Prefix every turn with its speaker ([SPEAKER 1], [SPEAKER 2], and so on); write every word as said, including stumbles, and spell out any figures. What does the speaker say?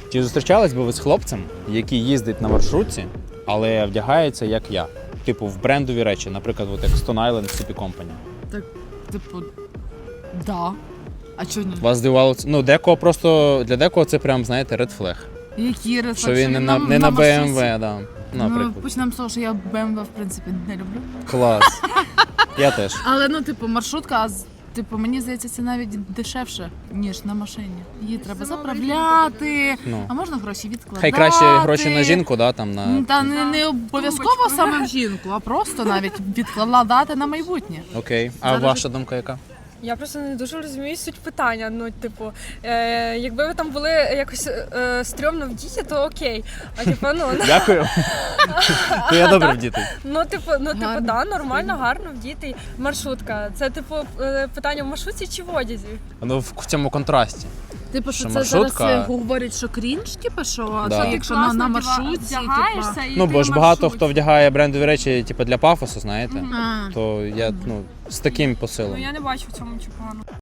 [SPEAKER 1] Чи зустрічались би ви з хлопцем, який їздить на маршрутці, але вдягається як я? Типу в брендові речі, наприклад, от як Stone Island City Company.
[SPEAKER 2] Так, типу, да. А чого ні?
[SPEAKER 1] Вас здивувало це? Ну, декого просто, для декого це прям, знаєте, red flag.
[SPEAKER 2] Які рефлекси?
[SPEAKER 1] Що він не на, не на бе ем ве, да,
[SPEAKER 2] Ну,
[SPEAKER 1] наприклад.
[SPEAKER 2] почнемо з того, що я бе ем ве, в принципі, не люблю.
[SPEAKER 1] Клас. Я теж.
[SPEAKER 2] Але, ну, типу, маршрутка, а з- типу, мені здається, це навіть дешевше, ніж на машині. Її треба заправляти,
[SPEAKER 1] Ну.
[SPEAKER 2] а можна гроші відкладати.
[SPEAKER 1] Хай краще гроші на жінку, да, там на...
[SPEAKER 2] М, Та не, не обов'язково саме в жінку, а просто навіть відкладати на майбутнє.
[SPEAKER 1] Окей. А
[SPEAKER 2] Зараз
[SPEAKER 1] ваша думка яка?
[SPEAKER 3] Я просто не дуже розумію суть питання. Ну, типу, е, якби ви там були якось е, стрьомно вдіті, то окей. А типу, ну,
[SPEAKER 1] Дякую. То я добре вдітий.
[SPEAKER 3] ну, типу, ну, типу,
[SPEAKER 2] Гарно.
[SPEAKER 3] да, нормально, гарно вдітий. Маршрутка. Це, типу, е, питання в маршрутці чи в одязі?
[SPEAKER 1] Ну, в в цьому контрасті.
[SPEAKER 2] Типу, що
[SPEAKER 1] Що
[SPEAKER 2] це
[SPEAKER 1] маршрутка-
[SPEAKER 2] зараз е, говорять, що крінж, типу, що,
[SPEAKER 1] Да.
[SPEAKER 2] що якщо на, на маршрутці,
[SPEAKER 3] вдягаєшся
[SPEAKER 2] типу.
[SPEAKER 3] і
[SPEAKER 1] Ну,
[SPEAKER 3] ти
[SPEAKER 1] бо ж
[SPEAKER 3] в
[SPEAKER 1] багато
[SPEAKER 3] маршрутці.
[SPEAKER 1] хто вдягає брендові речі, типу, для пафосу, знаєте.
[SPEAKER 2] А.
[SPEAKER 1] То я, ну, з таким посилом.
[SPEAKER 3] Ну, я не бачу в цьому нічого поганого.